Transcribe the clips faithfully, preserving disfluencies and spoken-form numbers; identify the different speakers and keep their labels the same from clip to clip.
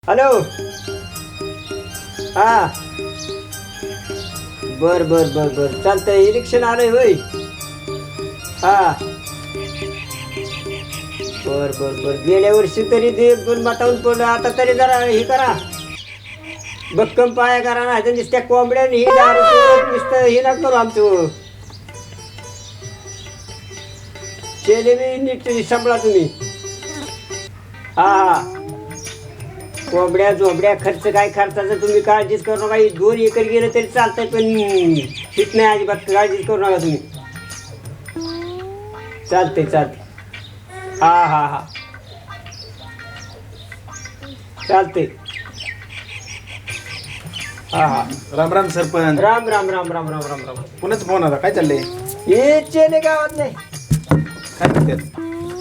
Speaker 1: Hello. हा बर बर बर बर चालतंय. इलेक्शन आलंय होय. हा बर बर बर गेल्या वर्षी तरी ते एक दोन मतावून पडलं. आता तरी जरा हे करा, भक्कम पाया करा ना. तर नुसत्या कोंबड्याने ही दारू पिऊन नुसतं हे ना करू आमचं. केले मी नीट सांभाळा तुम्ही. हा हा कोंबड्या झोंबड्या खर्च काय खर्चाचं तुम्ही काळजीच करू नका. दोन एकर गेलं तरी चालतंय, पण ठीक नाही अजिबात काळजीच करू नका तुम्ही. चालतंय चालतंय. हा हा हा चालतंय. हा हा
Speaker 2: राम राम सरपंच.
Speaker 1: राम राम राम राम राम राम राम.
Speaker 2: कोणाच फोन आता? काय चाललंय?
Speaker 1: हे चेले गावात नाही.
Speaker 2: काय म्हणतात?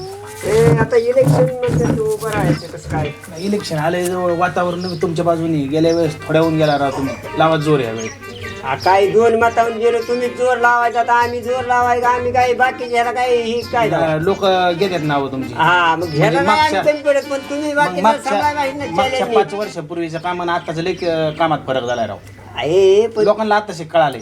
Speaker 1: हे आता इलेक्शन म्हणतात तू बरं आहे ते कसं काय.
Speaker 2: इलेक्शन आलंय जवळ, वातावरण तुमच्या बाजूनी. गेल्या वेळेस थोड्या होऊन गेला राव तुम्ही. लावा जोर या वेळेस.
Speaker 1: हा काय दोन मतावून गेलो तुम्ही जोर लावायचा, आता आम्ही जोर लावायचा. आम्ही काय बाकी ह्याला काय ही काय
Speaker 2: लोक घेतात नाव तुमची.
Speaker 1: हा मग ह्याला नाही
Speaker 2: मागच्या-
Speaker 1: आम्ही कमी पडत, पण तुम्ही बाकी
Speaker 2: मागच्या
Speaker 1: सांगा.
Speaker 2: मागच्या पाच वर्षापूर्वीचं काम आणि आताचं लई क- कामात फरक झालाय राव.
Speaker 1: आहे पण
Speaker 2: लोकांना आताशी कळाले.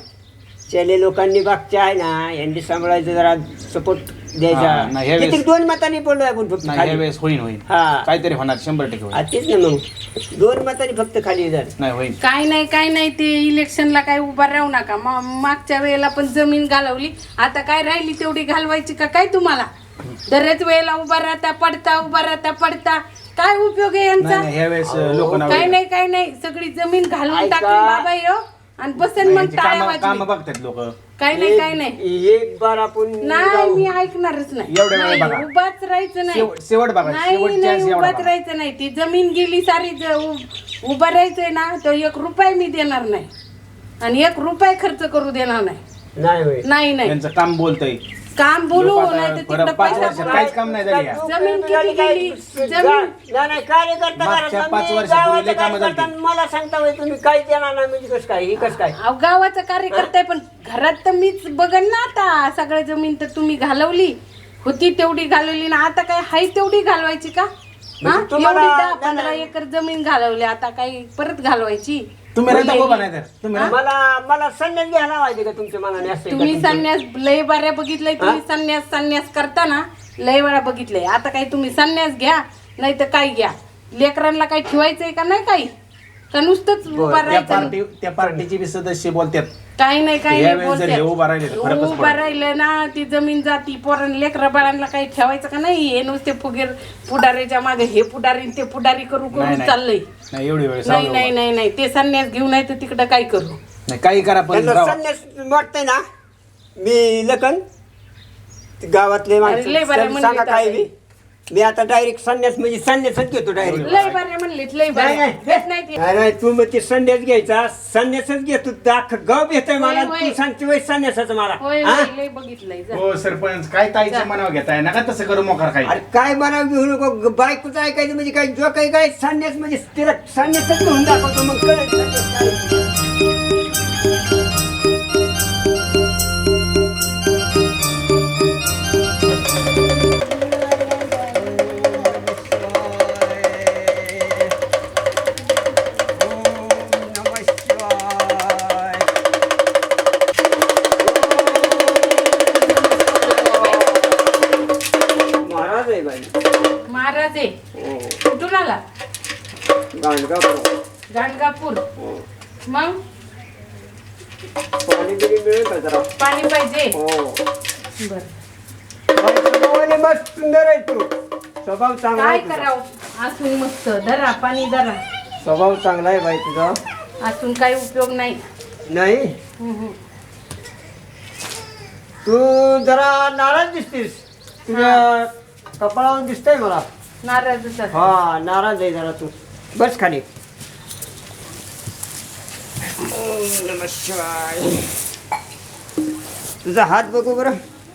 Speaker 1: चले लोकांनी बागच्या आहे ना यांनी सांभाळायचं, जरा सपोर्ट
Speaker 2: हा, नाही, ह्या
Speaker 1: द्यायचा.
Speaker 2: वेळेस-
Speaker 1: किती दोन मतांनी पडलो आपण फक्त
Speaker 2: नाही
Speaker 1: खाली.
Speaker 2: यावेळेस होईन होईन
Speaker 1: हा.
Speaker 2: काहीतरी होणार, शंभर टक्के
Speaker 1: हा,
Speaker 2: होईल.
Speaker 1: तेच ना मग दोन मतांनी फक्त खाली झालं.
Speaker 2: नाही होईन.
Speaker 3: काय नाही काय नाही ते इलेक्शनला काय उभा राहू नका. मा- मागच्या वेळेला पण जमीन घालवली, आता काय राहिली तेवढी घालवायची का काय तुम्हाला? दरच वेळेला उभा राहता पडता, उभा राहता पडता, काय उपयोग आहे
Speaker 2: नाही
Speaker 3: यांचा?
Speaker 2: नाही ह्या वेळेस लोक नाव
Speaker 3: काय नाही काय नाही सगळी जमीन घालून
Speaker 1: ऐका.
Speaker 3: टाकून बाबा यो आणि बसन मग टाळ्या
Speaker 2: काम
Speaker 3: वाजवी.
Speaker 2: बघतात लोक.
Speaker 3: काय नाही काय नाही
Speaker 1: एक बार आपण
Speaker 3: नाही
Speaker 1: जाऊ.
Speaker 3: मी ऐकणारच नाही.
Speaker 2: एवढ्या वेळ
Speaker 3: नाही,
Speaker 2: बघा.
Speaker 3: उभाच राहायचं नाही.
Speaker 2: शेवट शेवट बघा.
Speaker 3: नाही
Speaker 2: शेवटची
Speaker 3: नाही
Speaker 2: chance एवढा
Speaker 3: उभाच
Speaker 2: बघा.
Speaker 3: राहायचं नाही. ती जमीन गेली सारी ज- उ- उभं राहायचंय ना, तर एक रुपये मी देणार नाही आणि एक रुपये खर्च करू देणार नाही.
Speaker 1: नाही होय.
Speaker 3: नाही नाही
Speaker 2: त्यांचं काम बोलतंय.
Speaker 3: काम बोलू
Speaker 2: लोक आता
Speaker 3: नाही तर
Speaker 2: परत
Speaker 3: तिकडं
Speaker 2: पाच
Speaker 3: पैसा
Speaker 2: वर्षात
Speaker 3: पुरा-
Speaker 2: काहीच काम नाही झाली या.
Speaker 3: जमीन किती
Speaker 1: काय-
Speaker 3: गेली?
Speaker 1: जा-
Speaker 3: जमीन-
Speaker 1: नाही, नाही, कार्यकर्ता
Speaker 2: मागच्या
Speaker 1: करा.
Speaker 2: पाच
Speaker 1: मी
Speaker 2: वर्षापूर्वी
Speaker 1: गावाचं
Speaker 2: लय कामं झाली.
Speaker 1: कार्यकर्ता, मला सांगता होय तुम्ही काही देणार नाही म्हणजे कसं काय, ही कसं काय.
Speaker 3: अहो, गावाचा कार्यकर्ता आहे, पण घरात तर मीच बघन ना. आता सगळं जमीन तर तुम्ही घालवली होती, तेवढी घालवली ना. आता काय हाय तेवढी घालवायची का? हा
Speaker 1: म्हणजे तुम्हाला-
Speaker 3: एवढी दहा
Speaker 1: नाही,
Speaker 3: पंधरा
Speaker 1: नाही.
Speaker 3: एकर जमीन घालवली, आता काही परत घालवायची?
Speaker 2: तुम्ही राहता उभा नाही तर तुम्ही राहता.
Speaker 1: मला मला संन्यास घ्यायला पाहिजे का तुमच्या मनाने असं
Speaker 3: तुम्ही
Speaker 1: का तुमचं?
Speaker 3: संन्यास लय बऱ्या बघितलंय. तुम्ही संन्यास संन्यास करता ना, लय वेळा बघितलंय. आता काही तुम्ही संन्यास घ्या नाही तर काय घ्या. लेकरांना काही ठेवायचंय का नाही काही, का नुसतंच उभा
Speaker 2: त्या
Speaker 3: राहायचं?
Speaker 2: पार्टी त्या पार्टीचे बी सदस्य बोलतात.
Speaker 3: काही नाही काही
Speaker 2: या
Speaker 3: नाही
Speaker 2: वेळेस जर हे
Speaker 3: बोलते.
Speaker 2: उभा राहिले तर फरकच
Speaker 3: उभा
Speaker 2: पडेल.
Speaker 3: राहिलं ना ती जमीन जाती. पोरण लेकरा बाळांना काही ठेवायचं का नाही? हे नुसते फुगीर पुढारीच्या मागे हे पुढारी ते पुढारी करू
Speaker 2: नाही,
Speaker 3: करून
Speaker 2: नाही.
Speaker 3: चाललंय.
Speaker 2: नाही एवढी वेळ
Speaker 3: नाही नाही नाही नाही ते संन्यास घेऊन नाही तर तिकडं काय करू.
Speaker 2: नाही काही करा पण
Speaker 1: त्यांना
Speaker 2: राहा.
Speaker 1: संन्यास वाटतंय ना. मी लखन गावातले
Speaker 3: अरे,
Speaker 1: माणसं
Speaker 3: लय बरं
Speaker 1: सांगा
Speaker 3: म्हणले
Speaker 1: काय
Speaker 3: तर.
Speaker 1: मी मी आता डायरेक्ट संन्यास म्हणजे संन्यासच घेतो डायरेक्ट.
Speaker 3: लय बरे म्हणलेत लय बरे.
Speaker 1: नाही, नाही.
Speaker 3: घेत नाही ते.
Speaker 1: नाही नाही, तू मग ते संन्यास घ्यायचा, संन्यासच घेतो. दाख गाव घेतोय मला,
Speaker 3: होय, होय.
Speaker 1: तू सांगते वय संन्यासाचं मला.
Speaker 3: होय
Speaker 1: हा?
Speaker 3: होय, लय बघितलंय जा.
Speaker 2: हो सरपंच काय ताईच्या मनावर घेताय नका तसं करू मोकार काही.
Speaker 1: अरे काय मला घेऊ नको. बायकोचं ऐकायचं म्हणजे काय जो काही काय संन्यास म्हणजे तिला संन्यासच घेऊन दाखवतो मग कळेल संन्यास काय. महाराज आहे बाई.
Speaker 3: महाराज आहे. कुठून आला?
Speaker 1: गाणगापूर.
Speaker 3: गाणगापूर. मग
Speaker 1: पाणी बिणी मिळेल का जरा?
Speaker 3: पाणी पाहिजे.
Speaker 1: हो.
Speaker 3: बर
Speaker 1: बाई, स्वभावाने मस्त सुंदर आहे तू. स्वभाव चांगला
Speaker 3: काय
Speaker 1: आहे तुझा.
Speaker 3: करावं असून मस्त धरा पाणी धरा.
Speaker 1: स्वभाव चांगला आहे बाई तुझा.
Speaker 3: असून काही उपयोग नाही.
Speaker 1: नाही
Speaker 3: हम्म, हम्म.
Speaker 1: तू जरा नाराज दिसतीस. तुझ्या कपाळावर दिसतंय मला.
Speaker 3: नाराजच आहे.
Speaker 1: हा नाराज आहे जरा तू. बस खाली. ओम नमः शिवाय. तुझा हात बघू बरं.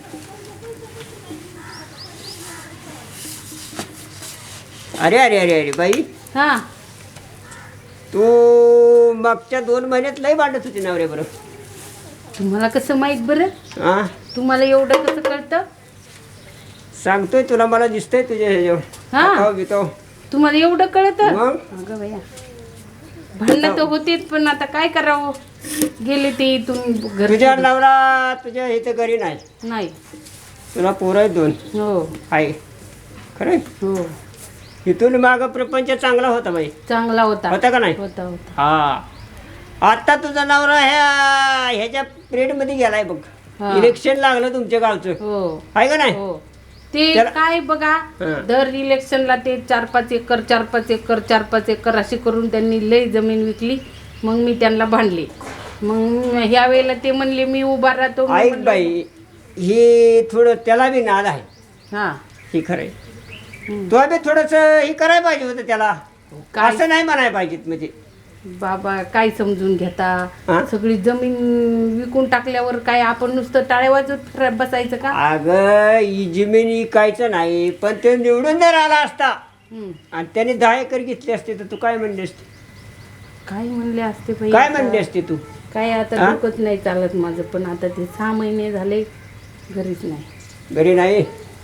Speaker 1: अरे अरे अरे अरे बाई,
Speaker 3: हा
Speaker 1: तू मागच्या दोन महिन्यात लय वाटत होती नवरे बरं.
Speaker 3: तुम्हाला कसं माहित बरं?
Speaker 1: हा
Speaker 3: तुम्हाला एवढं कसं कळतं?
Speaker 1: सांगतोय तुला, मला दिसतंय तुझ्या ह्याच्यावर.
Speaker 3: हा.
Speaker 1: हातावर बितावर.
Speaker 3: तुम्हाला एवढं कळत
Speaker 1: मग
Speaker 3: अगं बया भांडणं तर होतीच पण आता काय करावं गेले ते इथून घर
Speaker 1: तुझ्या नवरा तुझ्या इथे घरी नाही,
Speaker 3: नाही
Speaker 1: तुला पोरं आहेत दोन
Speaker 3: हो
Speaker 1: आहे खरं.
Speaker 3: हो
Speaker 1: इथून माग प्रपंच चांगला होता बाई,
Speaker 3: चांगला होता
Speaker 1: होता का नाही?
Speaker 3: होता होता
Speaker 1: हा आता तुझा नवरा ह्या ह्याच्या पिरियड मध्ये गेलाय बघ.
Speaker 3: हा.
Speaker 1: इलेक्शन लागलं तुमच्या गावचं
Speaker 3: हो
Speaker 1: आहे का नाही?
Speaker 3: हो ते
Speaker 1: त्याला-
Speaker 3: काय बघा
Speaker 1: हं.
Speaker 3: दर इलेक्शनला ते चार पाच एकर चार पाच एकर चार पाच एकर अशी करून त्यांनी लई जमीन विकली. मग मी त्यांना भांडले. मग ह्या वेळेला ते म्हणले मी उभा राहतो. मी
Speaker 1: ऐक
Speaker 3: म्हणलं,
Speaker 1: बाई ही थोडं त्याला बी नाद आहे,
Speaker 3: हा
Speaker 1: ही खरंय.
Speaker 3: हं.
Speaker 1: तो बी थोडस हे करायला पाहिजे होतं त्याला,
Speaker 3: काय
Speaker 1: असं नाही म्हणायला पाहिजे म्हणजे.
Speaker 3: बाबा काय समजून घेता
Speaker 1: हा?
Speaker 3: सगळी जमीन विकून टाकल्यावर काय आपण नुसतं टाळे वाजवत फिरत बसायचं का?
Speaker 1: अगं ही जमीन इकायचं नाही, पण ते निवडून जर आला असता
Speaker 3: हं.
Speaker 1: आणि त्याने दहा एकर घेतली असते तर तू काय म्हणली असते?
Speaker 3: काय म्हणले असते बाई
Speaker 1: काय
Speaker 3: आता?
Speaker 1: म्हणली असते तू?
Speaker 3: काय आता
Speaker 1: हा?
Speaker 3: डोकंच नाही चालत माझं. पण आता ते सहा महिने झाले घरीच नाही.
Speaker 1: घरी नाही.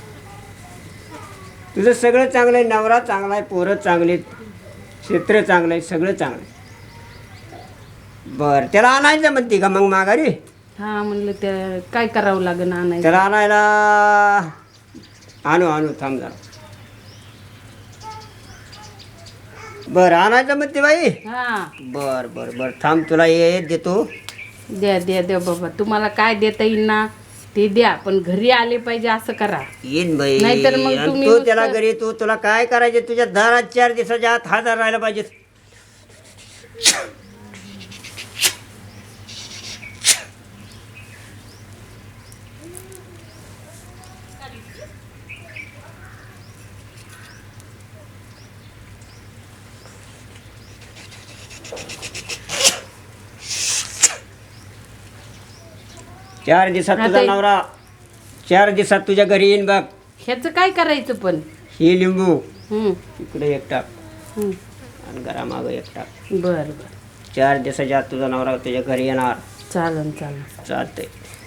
Speaker 1: तुझं सगळं चांगलं आहे, नवरा चांगला आहे, पोरं चांगले आहेत, क्षेत्र चांगलं आहे, सगळं चांगलं आहे. बरं त्याला आणायचं म्हणते का मग माघारी?
Speaker 3: हा म्हणलं त्या काय करावं लागेल आणायचं.
Speaker 1: त्याला आणायला आणू आणू थांब जरा. बरं आणायचं म्हणते बाई.
Speaker 3: हा
Speaker 1: बर बर बर थांब तुला ये देतो.
Speaker 3: द्या द्या द्या बाबा तुम्हाला काय देता येईल ना ते द्या पण घरी आले पाहिजे असं करा.
Speaker 1: येईन बाई.
Speaker 3: नाहीतर मग
Speaker 1: आणि
Speaker 3: तुम्ही
Speaker 1: तू
Speaker 3: नुसतं-
Speaker 1: त्याला घरी तू तुला काय करायचे तुझ्या दारात चार दिवसाच्या आत हजार राहायला पाहिजे. चार दिवसात
Speaker 3: आता
Speaker 1: तुझा
Speaker 3: हे-
Speaker 1: नवरा चार दिवसात तुझ्या घरी येईन बघ.
Speaker 3: ह्याचं काय करायचं पण?
Speaker 1: ही लिंबू
Speaker 3: हं,
Speaker 1: इकडे एक टाक
Speaker 3: हं.
Speaker 1: आणि घरामागं एक टाक.
Speaker 3: बरं बरं
Speaker 1: चार दिवसाच्या आत तुझा नवरा तुझ्या घरी येणार.
Speaker 3: चालन चालन.
Speaker 1: चालतंय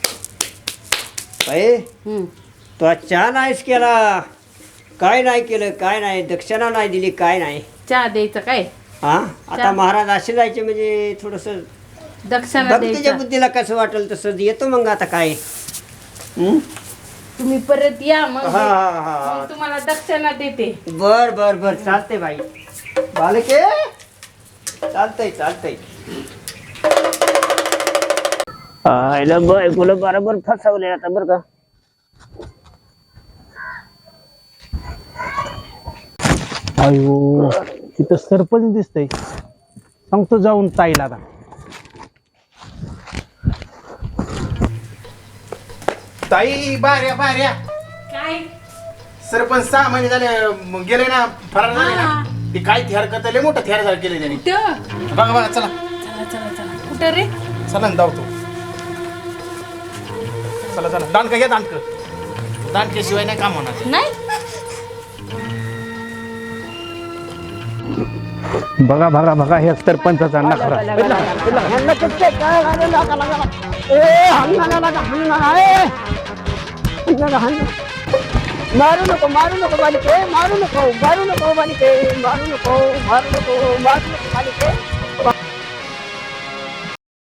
Speaker 1: बाई.
Speaker 3: हं.
Speaker 1: तो आज चहा नाहीच केला, काय नाही केलं, काय नाही दक्षिणा नाही दिली, काय नाही.
Speaker 3: चहा द्यायचं काय?
Speaker 1: हा आता
Speaker 3: चहा?
Speaker 1: महाराज असे जायचे म्हणजे थोडस
Speaker 3: दक्षिणा
Speaker 1: बघ तुझ्या
Speaker 3: द्यायचा.
Speaker 1: बुद्धीला कसं वाटेल तसं येतो मग आता काय. हं?
Speaker 3: तुम्ही परत या मग
Speaker 1: हा हा हा
Speaker 3: मग तुम्हाला दक्षिणा देते.
Speaker 1: बर बर बर चालतंय बाई. बालके चालतंय चालतंय. आयला बायकोला बरोबर फसवले आता बरं का.
Speaker 2: अयो तिथं सरपंच दिसतंय, सांगतो जाऊन ताईला आता. ताई बाऱ्या बाऱ्या
Speaker 3: काय?
Speaker 2: सरपंच सहा महिने झाले म, गेले ना फरार झाले ना. ते काय थेर करता लय मोठा थेर झाला केले त्यांनी.
Speaker 3: कुठं?
Speaker 2: बघा बघा चला
Speaker 3: चला चला चला. कुठं रे?
Speaker 2: चला ना धावतो. चला चला दांडका घ्या दांडक. दांडक्याशिवाय नाही काम होणार.
Speaker 3: नाही
Speaker 2: बघा बघा बघा हे सरपंचाचा नखरा.
Speaker 1: मारू नको मारू नको बालिके, मारू नको मारू नको बालिके, मारू नको मारू नको मारू नको बालिके.